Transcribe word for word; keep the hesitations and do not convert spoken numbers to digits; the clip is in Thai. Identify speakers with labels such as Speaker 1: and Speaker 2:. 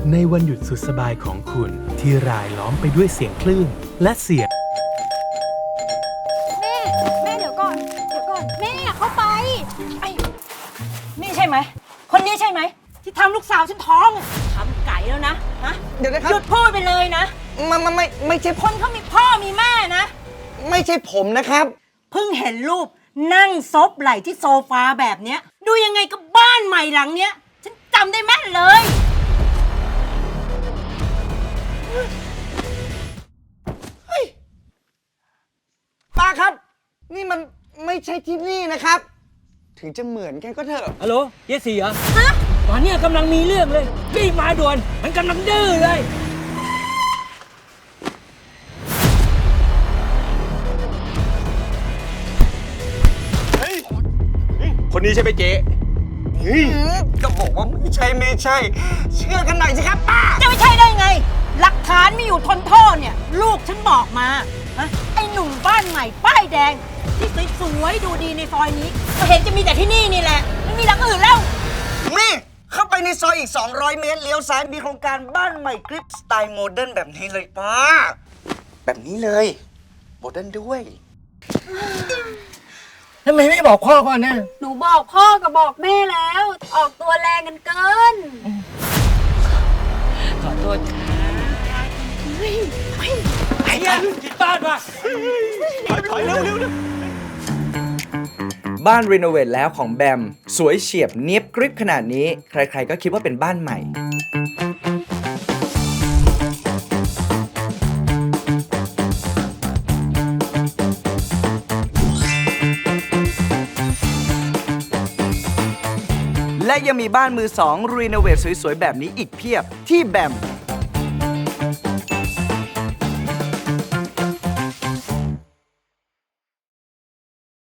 Speaker 1: ในวันหยุดสุดสบายของคุณที่รายล้อมไปด้วยเสียงคลื่นและเสียง
Speaker 2: แม่ แม่เดี๋ยวก่อน เดี๋ยวก่อน แม่อย่าเข้าไปไอ้
Speaker 3: นี่ใช่ไหม คนนี้ใช่ไหม ที่ทำลูกสาวฉันท้องทำไก่แล้วนะฮะ
Speaker 4: เดี๋ยวนะครับ
Speaker 3: หยุดพูดไปเลยนะ
Speaker 4: มันมันไม่ไม่ใช่
Speaker 3: คนเขามีพ่อมีแม่นะ
Speaker 4: ไม่ใช่ผมนะครับ
Speaker 3: เพิ่งเห็นรูปนั่งซบไหล่ที่โซฟาแบบเนี้ย ดูยังไงกับบ้านใหม่หลังเนี้ย ฉันจำได้แม่นเลย
Speaker 4: ป้าครับ นี่มันไม่ใช่ที่นี่นะครับ ถึงจะเหมือนกันก็เถอะ
Speaker 5: ฮัลโหลเยสีเหรอฮะตอนเนี้ยกำลังมีเรื่องเลยรีบมาด่วน มันกำลังดื้อเลย
Speaker 6: คนนี้ใช่ไหมเจ๊
Speaker 4: อืมก็บอกว่าไม่ใช่ไม่ใช่ เชื่อกันหน่อยสิครับป้า
Speaker 3: จะไม่ใช่ได้ไง หลักฐานมีอยู่ทนโทษเนี่ย ลูกฉันบอกมาฮะไอ้หนุ่มบ้านใหม่ป้ายแดง ที่สวยๆดูดีในซอยนี้ ก็เห็นจะมีแต่ที่นี่นี่แหละ ไม่มีหลังอื่นแล้ว
Speaker 4: นี่ เข้าไปในซอยอีก สองร้อย เมตร เลี้ยวซ้ายมีโครงการบ้านใหม่กริปสไตล์โมเดิร์นแบบนี้เลยป้า แบบนี้เลย โมเดิร์นด้วย
Speaker 5: ทำไมไม่บอกพ่อก่อนนะ
Speaker 2: หนูบอกพ่อกับบอกแม่แล้ว ออกตัวแรงกันเกิน
Speaker 5: ขอโทษค่ะไอ้ยันจิตบ้านว่ะ
Speaker 6: ถอยเร็วเร็วเร็ว
Speaker 7: บ้านรีโนเวทแล้วของแบม สวยเฉียบเนียบกริบขนาดนี้ ใครๆก็คิดว่าเป็นบ้านใหม่ และยังมีบ้านมือสองรีโนเวทสวยๆ แบบนี้อีกเพียบที่แบม